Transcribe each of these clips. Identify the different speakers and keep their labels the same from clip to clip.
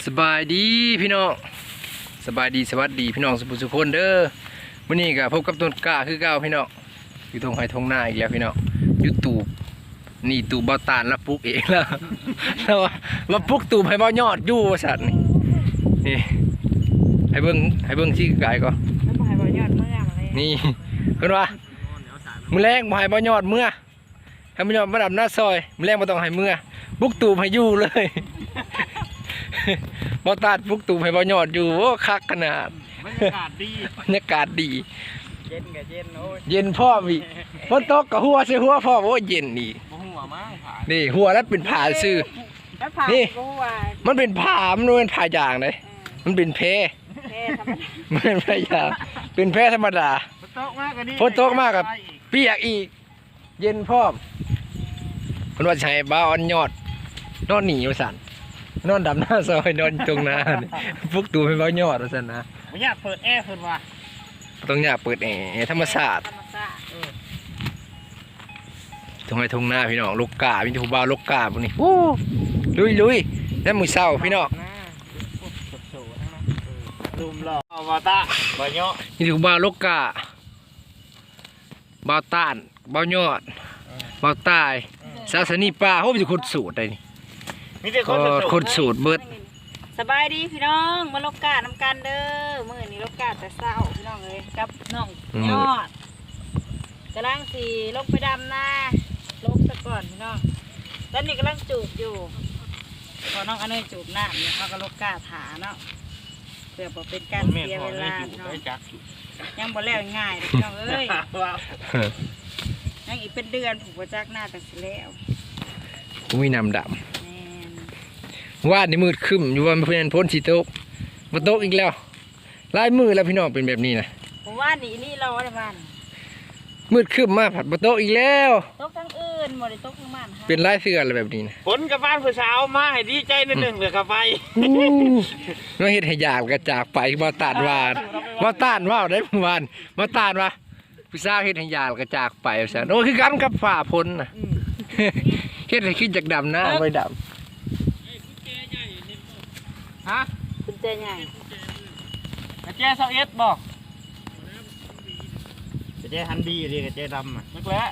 Speaker 1: สบายดีพี่น้องสบายดีสวัสดีพี่น้องสุขคนเด้อวันนี้ก็พบกับต้นกล้าคือเก่าพี่น้องอยู่ตรงไห้ทงหน้าอีกแล้วพี่น้องยูทูบนี่ตูบเบาตานแล้วปลุกเองแล้วมาปลุกตูบให้เบายอดอยู่สัตว์นี่ให้เบิ้งชี้กายก็
Speaker 2: แล้วบ่ให้บ่ยอดเมื่อมาเลย
Speaker 1: นี่เห็นว่ามือแรงบ่ให้เบายอดเมื่อให้เบายอดมาดับหน้าซอยมือแรงบ่ต้องให้เมื่อปลุกตูบให้อยู่เลยบ่ตัดปลุกตูบให้บ่ยอดอยู่โอ้คักขนาด
Speaker 3: บรรยากาศดี
Speaker 1: บรรยากาศดี
Speaker 3: เย็นกับเย็นโอ้ย
Speaker 1: เย็นพ่อมีฝนตกกับหัวใส่หัวพ่อโอ้เย็นนี่
Speaker 3: บ่หัวมากผ่า
Speaker 1: นี่หัวแล้วเป็นผ้าซื่อนี่มันเป็นผ้ามันเป็นผ้ายางเลยมันเป็นเพมันเป็นผ้ายางเป็นเพธรรมดา
Speaker 3: ฝนตกมากกับนี่
Speaker 1: ฝนตกมากกับเปียกอีกเย็นพ่อคนว่าใช้บ้าอ่อนยอดนอนหนีอยู่สั่นนอนดำหน้าซอยนอนตรงนาพวกตูไม่บ้ายอดว่าสั่นนะ
Speaker 3: ไม่อยากเปิดแอร์เพิ่นว่า
Speaker 1: ต้องอยากเปิดแอร์ธรรมศาสตร์ตรงไหนทงหน้าพี่น้องลูกกาพี่ทูบ้าลูกกาพวกนี้โอ้ลุยแล้วมือเศร้าพี่น้อง
Speaker 3: ดูมหล่อบ่ตาบ่เนาะ
Speaker 1: นี่ทูบ้าลูกกาบ้าต้านบ้ายอดบ้าตายศาสนีป่าเขาเป็นคนสูตรได้นี่
Speaker 3: มีแต่
Speaker 1: คนสูตรเบิด
Speaker 2: สบายดีพี่น้องมาลกกาน้ำกันเด้อมื้อนี้ลกกาแต่เช้าพี่น้องเลยกับน้องยอดกำลังสีลงไปดำนาลกซะก่อนพี่น้องตอนนี้กำลังจูบอยู่พอน้องอันนี้จูบน้ำเนี่ยเขาก็ลกกาถาเนาะเพื่อบอกเป็นการเสียเวลาพี่น้องยังบ่แล้วง่ายพี่น้องเอ้ยยังอีกเป็นเดือนผูกประจักหน้าแต่สิแล้ว
Speaker 1: กูมีน้ำดำวาดในมืดขึ้นอยู่ว่าเพื่อนพ้นสีโต๊ะมาโต๊ะอีกแล้วลายมือแล้วพี่น้องเป็นแบบนี้นะ
Speaker 2: ผมว่านี่เราอะไรบ้าน
Speaker 1: มืดขึ้นมาผัดมาโต๊ะอีกแล้ว
Speaker 2: โต๊ะทั้งอื่นหมดเลยโต๊ะทั้งบ้าน
Speaker 1: เป็นลายเสื้ออะไรแบบนี้นะ
Speaker 3: ฝนกับบ้านผู้สาวมาให้ดีใจนิดหนึ่งเหลือกาไฟ
Speaker 1: น้องเฮ็ดให้ยากกระจากไปมาตานวานมาตานว่าได้เมื่อวานมาตานว่าผู้สาวเฮ็ดให้ยากกระจากไปซะโอ้คือกันกับฝ่าพ้นนะเฮ็ดให้ขึ้นจากดำหน้าไปดำ
Speaker 3: ฮะ
Speaker 2: กุญแจใหญ่
Speaker 3: กระเจี๊ยบ21บอกกระเจี๊ยบฮันดีดิกระเจี๊ยบดำอ่ะนึกแล้ว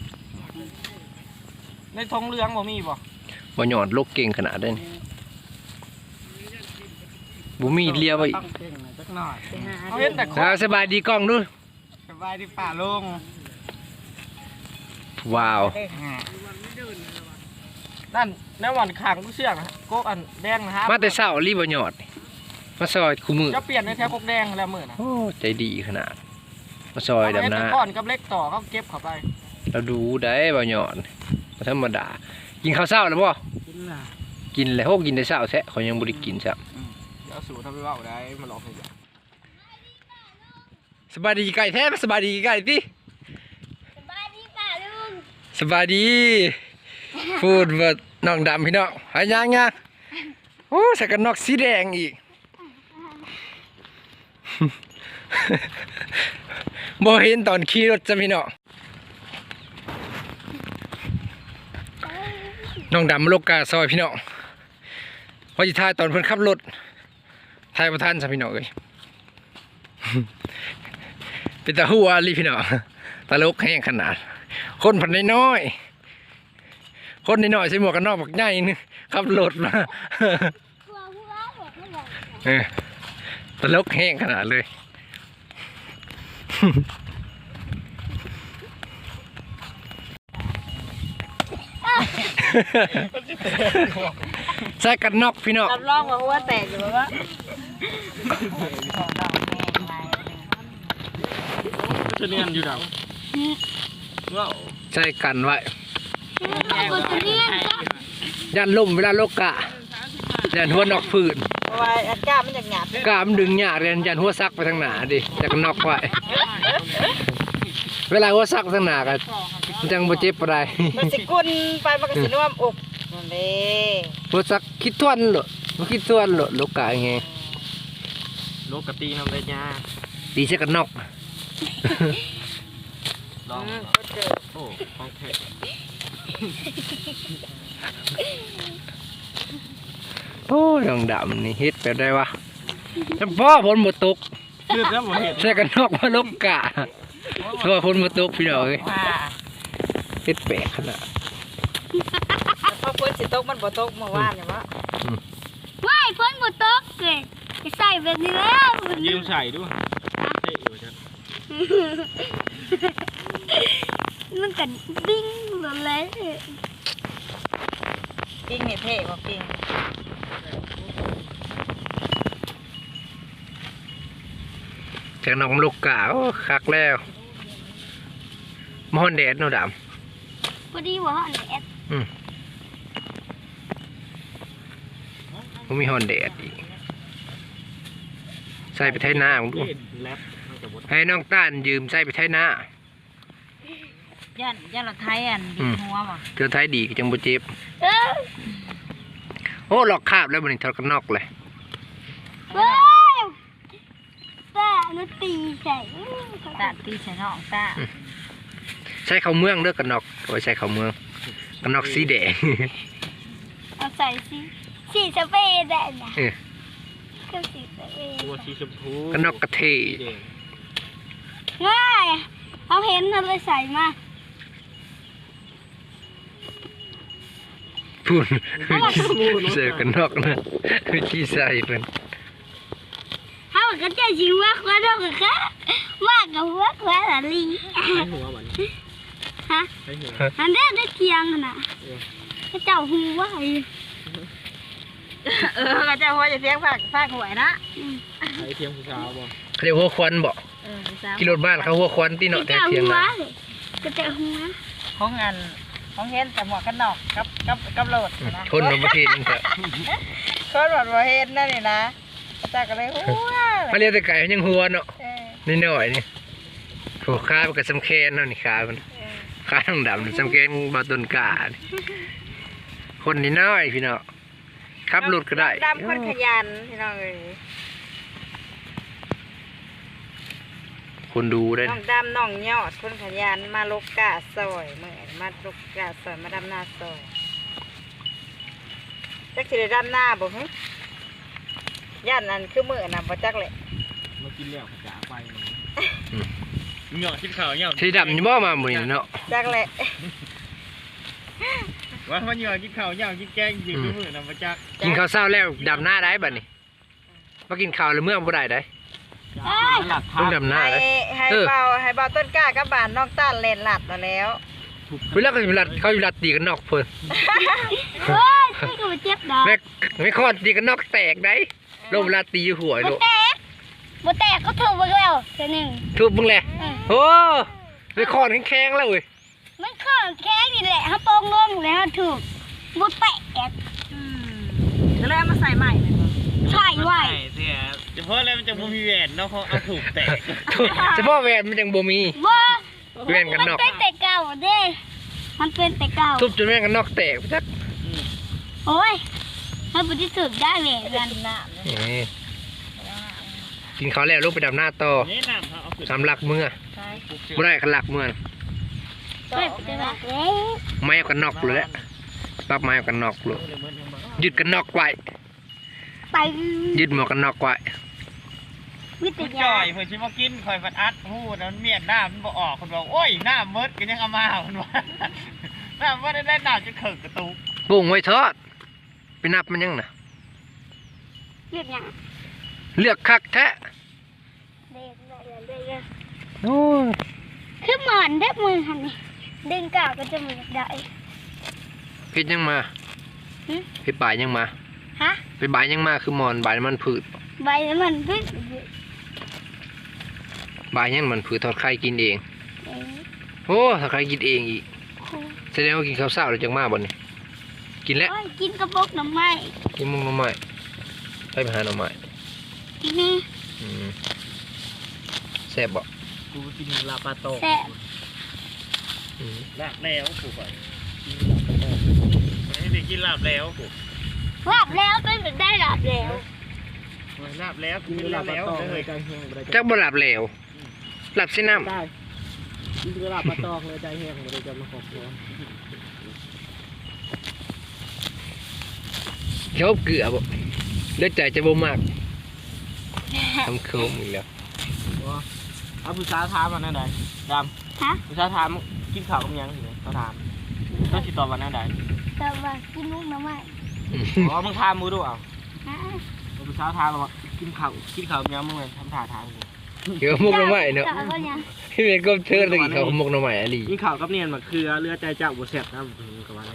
Speaker 3: ในทงเหลืองบ่มีบ่
Speaker 1: หยอดโลกเก่งขนาดนั้นบ่มีเลียวไป
Speaker 3: เขาเห็นแต่
Speaker 1: สบายดีกล้องดู
Speaker 3: สบายดีป่าลง
Speaker 1: ว้าว
Speaker 3: นั่นในวันขางกูเชื่องนะโก๊กอันแดงนะครับ
Speaker 1: มาแต่เช้ารีบหยอดมาซอยคู่มือ
Speaker 3: จะเปลี่ยนในแถวโก๊กแดงแล้วมือนะ
Speaker 1: โอ้ใจดีขนาดมาซอยดำน้
Speaker 3: ำก้อนกับเล็กต่อเขาเก็บเข้าไป
Speaker 1: เราดูได้บ่หยอดธรรมดากินข้าวเช้าแล้วบ่กินแล้วกินแต่เช้าแท้เขายังบ่ได้กินซะ
Speaker 3: แล้วสูตรทำไปว่าได้มาลองให้ดู
Speaker 1: สบายดีไก่แท้สบายดีไก่ติ
Speaker 2: สบายดีป่าลุง
Speaker 1: สบายดีพูดว่าน้องดำพี่น้องหายยังโอ้ใส่กันนอกสีแดงอีกบ่เห็นตอนขี่รถจ้ะพี่น้องน้องดำโลกาซอยพี่น้องพอจะถ่ายตอนเพิ่นขับรถถ่ายประทันจ้ะพี่น้องเลยเป็นตาหัวลีพี่น้องตลกแห้งขนาดคนพันน้อยคนนิดหน่อยใส่หมวกกันนอกบักใหญ่นึงขับรถมาตลกแห้งขนาดเลยใส่กันนอกพี่น้อง
Speaker 2: รับรองว่าหัวแตกอยู่แบบว่า
Speaker 3: จะเนียนอยู่ดาว
Speaker 1: ใส่กันไว้ยันลมเวลาโลกะยันหัวนอกฝืน
Speaker 2: ว่าก้ามันจะหยาบ
Speaker 1: ก้ามันดึงหยาบยันหัวซักไปทางหนาดิจากนอกไว้เวลาหัวซักทางหนากันจังบ่เจ็บอะไร
Speaker 2: มันสิกุนไปมันก็สิร่วมอกนั่นเด้
Speaker 1: หัวซักคิดทวนหรอบ่คิดทวนหรอโลกะไง
Speaker 3: โลกตีน้ำเลยจ้า
Speaker 1: ตีใส่กันนอก
Speaker 3: ลองโอ้โอเค
Speaker 1: โอ้ยดองดำนี่เฮ็ดแบบได้วะจำพ่อฝนบ่ตก
Speaker 3: คือแล้วบ่เห็น
Speaker 1: ใส่กันนอกมาลงกะเพราะว่าฝนบ่ตกพี่น้องเอ้ย
Speaker 2: ว่า
Speaker 1: เฮ็ดแปลกขนาด
Speaker 2: พอฝนสิตกมันบ่ตกเมื่อวานเนี่ยว่า
Speaker 4: ว่ายพ้นบุตกเลยจะใส่แบบนี้แล้ว
Speaker 3: ยืมใส่ด้วยเท่อยู่จ้ะ
Speaker 4: มันกันบิ้งหมดเลย
Speaker 2: ปิ้งนี่เท่บ่ปิ้ง
Speaker 1: จากนอกมาลงกะโอ้คักแล้วมอนแดดเนาะด
Speaker 4: พอดีว่าอันแอด
Speaker 1: ำมันมีฮอนแดดอีกใส่ไปไถนาผมดู
Speaker 3: เล่นแรปมันจะบ่
Speaker 1: ให้น้องต้านยืมใส่ไปไถนา
Speaker 2: ย่านรถไทยอันดิหัวบ่
Speaker 1: เจอไทยดีก็จังบ่เจ็บ
Speaker 4: เออ
Speaker 1: โอ้หลอกคาบแล้วบัดนี้ทอดกันนอกเลย
Speaker 4: ว้าวตาหนูตีใส่
Speaker 2: ตาตีใส่น้องตา
Speaker 1: ใช้ข้าวเมืองเด้อกันนอกโอ้ยใช้ข้าวเมืองกันนอกสีแดง
Speaker 4: เอาใส่สีสเปรย์ได้นะ
Speaker 1: เออ
Speaker 4: ก็สีสเปรย์
Speaker 3: ตัวสีชมพู
Speaker 1: กันนอกกะเท
Speaker 3: สีแดง
Speaker 4: ง่ายเขาเห็นเราเลยใส่มา
Speaker 1: พูดเสือกันนอกนะวิธีใส่เป็น
Speaker 4: เขาก็จะชิว่าควาดอกค่ะว่ากับหัวควาละลี
Speaker 3: ใช้หัวมัน
Speaker 4: ฮะ
Speaker 3: ใช้หัว
Speaker 4: อันนี้ได้เคียงน่ะก็เจ้าหูว่าไอ้
Speaker 2: ก็จะหัวจะเสียงฝากหวยนะ
Speaker 3: ใช้เทียมผู้สาวบ่
Speaker 1: เขาเรียกหัวควันบ่
Speaker 2: สาว
Speaker 1: กิโลบ้านเขาหัวควันที่เนาะแต่
Speaker 4: เจ้า
Speaker 1: เทียง
Speaker 4: หัว
Speaker 1: นะ
Speaker 4: เลยก็เจ้าหัว
Speaker 2: ของอันของเห็นแต่หมวกกันนอกกับโหลดนะ
Speaker 1: คนในประเทศนี่เถอะ
Speaker 2: คนหมดบ่เห็นนั่นนี่นะตาก็เลยหัว
Speaker 1: เขาเรียกแต่ไก่มันยังหัวเนาะ
Speaker 2: เออ
Speaker 1: นี่หน่อยนี่หัวขามันก็สำแคนเนาะนี่ขามันขาทั้งดำสำแคนบาต้นกานี่คนนี่น้อยพี่เนาะขับรถก็ได้
Speaker 2: ดำคนขยันพี่น้องเอ้ย
Speaker 1: คนดูได้
Speaker 2: น้องดำน้องยอดคนขยันมาลกกาซอยเมื่อมาลกกาซอยมาดำนาซอยจักสิได้ดำนาบ่ฮึย่านนั้นคือมื้อน่ะบ่จักแหละ
Speaker 3: มากินแล้วขาไปเหยาะกินข้าวเหยาะ
Speaker 1: ที่ดำนี่บ่มาหมื้อนี้เนาะ
Speaker 2: จักแหละ
Speaker 3: ว่ามันเหยาะกินข้าวเหยาะกินแกงอยู่มื้อน่ะบ่จัก
Speaker 1: กินข้าวเช้าแล้วดำหน้าได้บัดนี้มากินข้าวแล้วเมื่อบ่ได้ได้
Speaker 3: หลัก
Speaker 1: ต้องดำหน้า
Speaker 2: ให้
Speaker 1: ได้
Speaker 2: ให้เบาต้นกล้ากับบ้านน้องต้านเล่นหลัดมาแล้ว
Speaker 1: เวลาเขาอยู่รัดเขาอยู่รัดตีกันนอกเพิ่น
Speaker 4: เฮ้ยช่วยกับเจ็บดอก
Speaker 1: แม่ไม่คอนตีกันนอกแตกได้ลมเวลาตีหัว
Speaker 4: บ่
Speaker 1: โล
Speaker 4: แตกบ่แตกก็ถูกไปแล้วเท่านึง
Speaker 1: ทุบมึงแหละโอ้ไม่คอนแข็งๆแล้วเว้ย
Speaker 4: มันข้างแข้งนี่แหละเขาโปงงงแล้วถูกบ่แตก
Speaker 2: ก็เลยเอามาใส่ใหม่เลย
Speaker 4: ใช่ไว้
Speaker 3: เสียเฉพาะแล้วมันจะบ่มีแหวนเนาะเขาเอาถูกแตก
Speaker 1: เฉพาะแหวนมันยังบ่มี
Speaker 4: ว่า
Speaker 1: แหวนกันนอก
Speaker 4: มันเป็นแต่เก่าเด้มันเป็นแต่เก่า
Speaker 1: ทุบจนแหวนกันนอกแตกจัก
Speaker 4: โอ้ยมันบ่ได้ถูกได้แหวนกัน
Speaker 2: น้
Speaker 1: นี่กินข้าวแล้วลูกไปดำหน้าต่อ
Speaker 3: นี่น้ำเขาเอาขึ้น
Speaker 1: สำหลักเมื่อ
Speaker 2: ำใช่
Speaker 1: บ่ได้ขันหลักเมื่อ
Speaker 4: เฮ้ยจะว่าเอ้ย
Speaker 1: ไม้เอากันนอกเลยแหละปรับไม้เอากันนอกเลยยึดกันนอกไว้
Speaker 4: ไป
Speaker 1: ยึดหมวกกันนอกไว้
Speaker 4: วิท
Speaker 3: จ่
Speaker 4: ยา
Speaker 3: อยเพิ่นสิมากินข่อยฟันอัดฮู้นั้นเมียนน้ามันบ่ออกคนบอกโอ้ยน้าเมิดก็ยังเอามาเพิ่นว่าน้าเมิดได้น้าจะเขิกกระตุก
Speaker 1: ปุ้งไว้ทอดไปนับมันยังน่ะ
Speaker 4: เรียกหยัง
Speaker 1: เลือกคักแท้
Speaker 4: เด็กเด็ก
Speaker 1: โอ้ย
Speaker 4: คือหมอนเด็กมือหันนี่ดึงกาวก็จะมือได้
Speaker 1: เพชรยังมาเพชรบ่ายยังมา
Speaker 4: ฮะ
Speaker 1: ไปบ่ายยังมาคือหมอนบ่ายมันผืด
Speaker 4: ใบมันพึ่ง
Speaker 1: บ่ายยังมันผืดทอดไข่กินเองโอ้ทอดไข่กินเองอีกแสดงว่ากินข้าวเช้าแล้วจังมาบ่นี่กินแล้ว
Speaker 4: กินกระบอกหน่อไม้
Speaker 1: กินมุงหน่อไม้ไปหาหน่อไม้
Speaker 4: กินนี่
Speaker 1: อืมแซ่บบ่
Speaker 3: กูกินลาปาโต
Speaker 4: แซ่บ
Speaker 1: อืม
Speaker 3: ลาบแล้วกูก่อนให้ได้กินลาบแล้วกู
Speaker 4: ลาบแล้วเป็นแบบได้ลาบแล้ว
Speaker 3: ลาบแล้วกินลาบแล้วเลย
Speaker 1: จักบ่หลับแล้วหลับสิน้ำ
Speaker 3: ได้กินลาบปลาตองเลยใจแห้งเลยจะมาขอบคุณ
Speaker 1: ชอบเกลือบ่เลือดใจจะบ่มากทำโค้งอีกแล้ว
Speaker 3: เอาผู้สาวถามวันนั้นใดด
Speaker 4: ฮะ
Speaker 3: ำผู้สาวถามกินข้าวกับยังสิเขาถามต้องติดต่อวันนั้นใด
Speaker 4: แต่ว่ากินลูกน้ำไม้
Speaker 3: อ๋อมึงถามมือดูเอา
Speaker 4: ฮะ
Speaker 3: ผู้สาวถามว่ากินข้าวกับยังมึงเลยทำท่าทางกู
Speaker 1: เกี่ยวกับมุกหน่อไม้เนาะ
Speaker 4: จ้ก็ยัง
Speaker 1: พี่เมย์ก็เทิดตะกี้เขามุกหน่อไม้อะไร
Speaker 3: กินข้าวกับเนียนมะเขือเรือใจเจ้าบุเสบนะกับว่า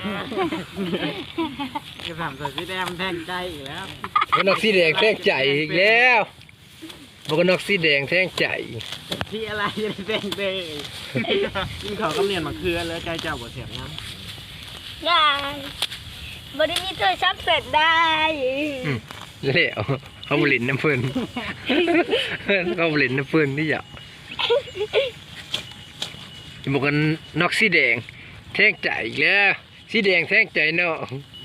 Speaker 3: จะถามตัวสีแดงมันแทงใจอีกแล้ว
Speaker 1: มันนอกสีแดงแท่งใจอีกแล้วมันก็นอกสีแดงแท่งใจ
Speaker 3: ที่อะไรจะได้แทงใจกินข้าวกับเนียนมะเขือเรือใจเจ้าบุเสบนะ
Speaker 4: ได้บริมีตัวชับเสร็จได้
Speaker 1: แล้วเขาบรินน้ำเพิ่นเขาบรินน้ำเพิ่นนี่อยากบอกกันนอกสีแดงแท่งใจอีกแล้วสีแดงแท่งใจเนาะ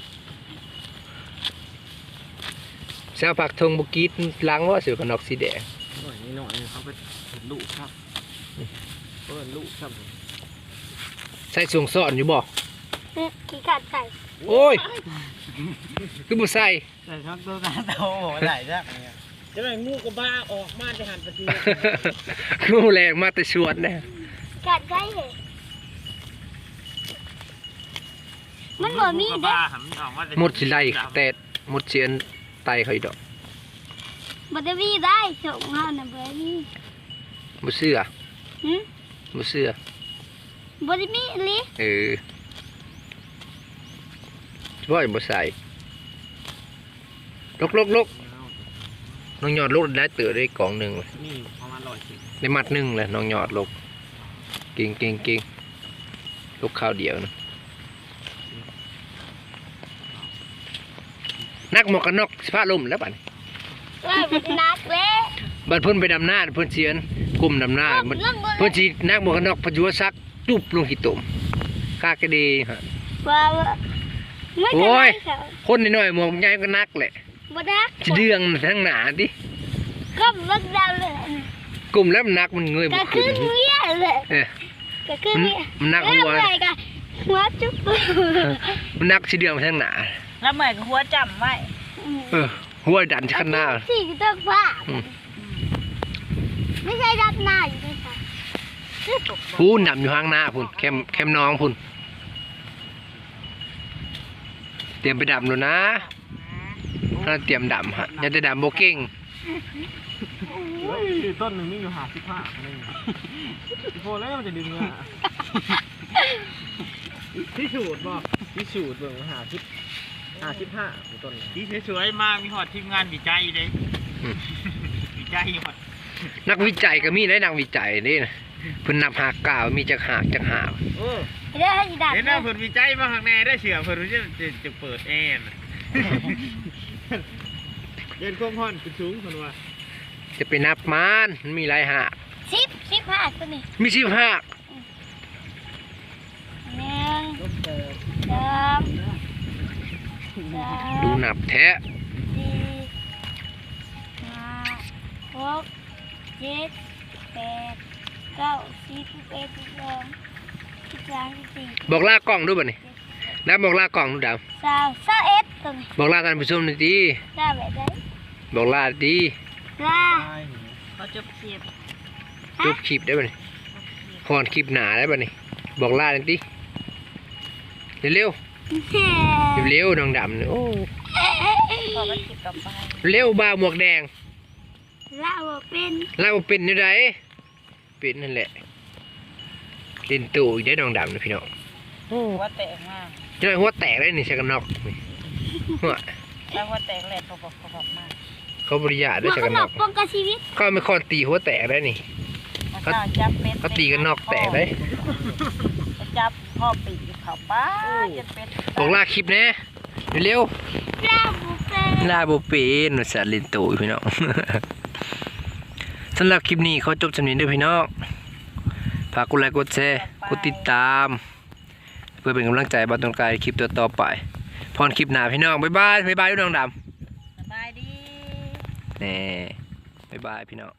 Speaker 1: ชาวผักทงบุกีดล้างว่าเสือกับนอกสีแดง
Speaker 3: หน่อยนี่หน่อยเขาไปเห็นลูกครับเห็นลูกครับ
Speaker 1: ใส่สวงซ่อนอยู่บ่
Speaker 4: ขี้ขาดใส่
Speaker 1: โอ้ยคือบ่ใส่
Speaker 3: แต่ชอบตัวตาโตไหลจ้ะจะได้งูกระบ้าออกมาจะหันปฏิ
Speaker 1: งูแรงมาแต่ชวนนะ
Speaker 4: ขาดใส่เหรอมันบ่มีเด้
Speaker 1: หมดสิไล่แต่หมดเสียนไตเขาอีกดอก
Speaker 4: บ่ได้มีได้ส่งเฮาน่ะบ่มี
Speaker 1: บ่เชื่อ
Speaker 4: หึ
Speaker 1: บ่เชื่อ
Speaker 4: บ่ได้มีอีหลี
Speaker 1: ว่าอย่าบ่ใส่ลกน้องยอดลกได้เตือได้กล่องหนึ่งเลย
Speaker 3: นี่ประมาณ110
Speaker 1: ได้มัดหนึ่งเลยน้องยอดลกเก่งลกข้าวเดียวนะนักหมวกกันน็อกสิพาล่มแล้วบัดนี้
Speaker 4: เอ้ยบ่ได้นักเด้
Speaker 1: บัดเพิ่นไปดำหน้าเพิ่นเสียนกลุ่มดำหน้ามันเพิ่นสินักหมวกกันน็อกพยุซักตุบลงขี้ตุ่มกากระดีฮะ
Speaker 4: ว่าไม่
Speaker 1: โอ้
Speaker 4: ได้
Speaker 1: ย
Speaker 4: ค่ะ
Speaker 1: คนน้อยๆหมวกใหญ่ก็นักแหละ
Speaker 4: บ่นัก
Speaker 1: สิเดืองทั้งหนาดิ
Speaker 4: ก็บ่ได้เลย
Speaker 1: กลุ่มแล้วมันนักมันเงย
Speaker 4: ก็
Speaker 1: บ่
Speaker 4: คื
Speaker 1: ขึ้
Speaker 4: อน เมียเลย
Speaker 1: เออ
Speaker 4: ก็คือ
Speaker 1: มัน
Speaker 4: เมีย
Speaker 1: มันนักหัว
Speaker 4: แล้วไงก็หัวจุ๊บ
Speaker 1: มันนักสิเดืองทั้งหนา
Speaker 2: แล้วเหมือนหัวจำไว้
Speaker 1: หัวดันข้างหน้า
Speaker 4: สี่ต้องฟ้า
Speaker 1: อืม
Speaker 4: ไม่ใช่รับหน้าอยู่ด้วยค่ะ
Speaker 1: พูนดำอยู่ข้างหน้าพุ่นแคมน้องพุ่นเตรียมไปดำแล้วนะถ้าเตรียมดำฮะอย่าได้ดำโบเก่ง
Speaker 3: ต้นหนึ่งมีอยู่55คนนึงโฟแล้วมันจะดึงอ่ะพิสูจน์บ่พิสูจน์เบิ่ง55ต้นที่สวยๆมากมีหอดทีมงานวิจัยเลยวิจัยหอด
Speaker 1: นักวิจัยก็มีได้นักวิจัยนี่นะเพิ่นนับหากกล่าวมีจักหาก
Speaker 3: โอ้
Speaker 4: เดี๋ยวให้ดัก
Speaker 3: เห็นหน้าเพิ่นวิจัยมาข้างในได้เชื่อเพิ่นจะเปิดแอร์เดินความร้อนขึ้นสูงเพิ่นว่า
Speaker 1: จะไปนับมันมีหลายหาก
Speaker 4: 15ตัวนี้
Speaker 1: มี15
Speaker 4: 1 2 3
Speaker 1: ดูนับแท้
Speaker 4: 4 5 6 7 8 9 10 11 12 13 14
Speaker 1: บอกลากล้องด้วยบ่นี่แล้วบอกลากล้องดูดาว
Speaker 4: 21ตัวนี้
Speaker 1: บอกลาท่านผู้ชมหน่อยดิ
Speaker 4: ได้แบบได้
Speaker 1: บอกลาดี
Speaker 4: ลา
Speaker 2: เขาจบเสียบ
Speaker 1: จบคลิปได้บ่นี่พรคลิปหนาได้บ่นี่บอกลาหน่อยดิเร็วๆเร็วๆน้องดำเนี่ยโอ้
Speaker 2: พอมันติดต่อไป
Speaker 1: เร็วบ่าวหมวกแดง
Speaker 4: ลาบ่เป็น
Speaker 1: ลาวเป็นอยู่ไดเป็นนั่นแหละเล่นตู่อีกได้น้องดำนะพี่น้อง
Speaker 2: หัวแตกมาก
Speaker 1: เจ้าหัวแตกเลยนี่ใส่กันนอกนี่หัว
Speaker 2: แล้วหัวแตกแหลกเขาบอกมาก
Speaker 1: เขาบริยาได้
Speaker 4: มัน
Speaker 1: ใส่
Speaker 4: ก็
Speaker 1: กัน
Speaker 4: หล
Speaker 1: น
Speaker 4: อ
Speaker 1: อก ก
Speaker 4: ป้องกันชีวิต
Speaker 1: เขาไม่คอนตีหัวแตกได้นี่
Speaker 2: มันก็จับเป็ด
Speaker 1: เขาตีกันนอกแตกได้
Speaker 2: จับพ่อปีกเขาป้าจะเป็น
Speaker 1: บอกลาคลิปแน่เร็ว
Speaker 4: ลาบ่เป็น
Speaker 1: ๆลาโบเป็นหนูสัตว์เล่นตู่พี่น้อง สำหรับคลิปนี้เขาจบสำเนียงด้วยพี่น้องฝากกดไลค์กดแชร์กดติดตาม เพื่อเป็นกำลังใจบ้านตรงกายคลิปต่อไปพรคลิปหน้าพี่น้องบ๊ายบายด้วยน้องด
Speaker 2: สบายดี
Speaker 1: ำแน่บ๊ายบายพี่น้อง